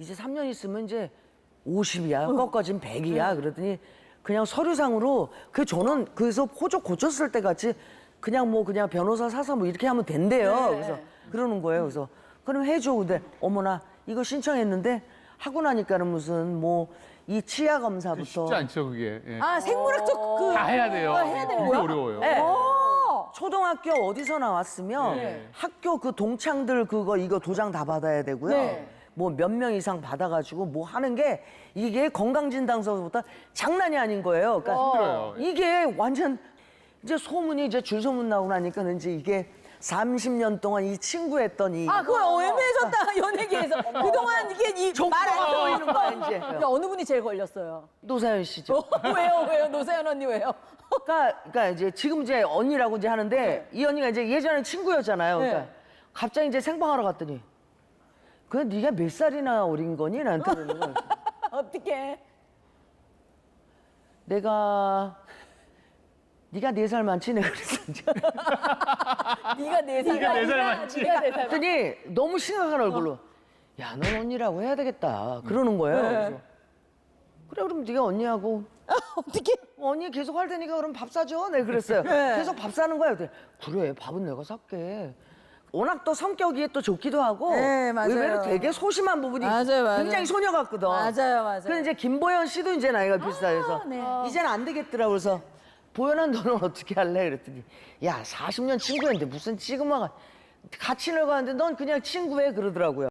이제 3년 있으면 이제 50이야. 꺾어진 100이야. 그러더니 그냥 서류상으로 저는 그래서 호적 고쳤을 때 같이 그냥 뭐 그냥 변호사 사서 뭐 이렇게 하면 된대요. 그래서 그러는 거예요. 그래서 그럼 해줘. 근데 어머나 이거 신청했는데 하고 나니까는 무슨 뭐 이 치아 검사부터 쉽지 않죠, 그게. 예. 아, 생물학적 그. 다 해야 돼요. 해야 되는 되게 거야? 어려워요. 네. 어. 초등학교 어디서 나왔으면 네. 학교 그 동창들 이거 도장 다 받아야 되고요. 네. 뭐 몇 명 이상 받아가지고 뭐 하는 게 이게 건강진단서부터 장난이 아닌 거예요. 그러니까 힘들어요. 이게 완전 이제 소문이 이제 줄소문 나고 나니까 이제 이게 30년 동안 이 친구 했던 이 아, 그거 애매해졌다, 연예계에서. 그동안 이게 말안 보이는 거야 이제. 근데 어느 분이 제일 걸렸어요? 노사연 씨죠. 왜요? 노사연 언니 왜요? 그러니까 이제 지금 이제 언니라고 이제 하는데 이 언니가 이제 예전에 친구였잖아요. 그러니까 네. 갑자기 이제 생방하러 갔더니 그래 네가 몇 살이나 어린 거니? 나한테 그러는 거야. 어떻게? 네가 4살 많지? 내가 그랬어. 네가 4살. 네가 4살 많지? 네가 4살. 그랬더니 너무 심각한 얼굴로 야, 넌 언니라고 해야 되겠다. 그러는 거예요. 그래서 그래 그럼 네가 언니하고 어떻게? 언니 계속 할 테니까 그럼 밥 사줘. 내가 그랬어요. 계속 밥 사는 거야. 그래 밥은 내가 살게. 워낙 또 성격이 또 좋기도 하고 네, 맞아요. 의외로 되게 소심한 부분이 맞아요. 굉장히 소녀 같거든. 맞아요. 근데 이제 김보연 씨도 이제 나이가 비슷해서 네. 이제는 안 되겠더라고. 그래서 보연아 너는 어떻게 할래? 그랬더니 야 40년 친구였는데 무슨 지금 와 같이 늙었는데 넌 그냥 친구해 그러더라고요.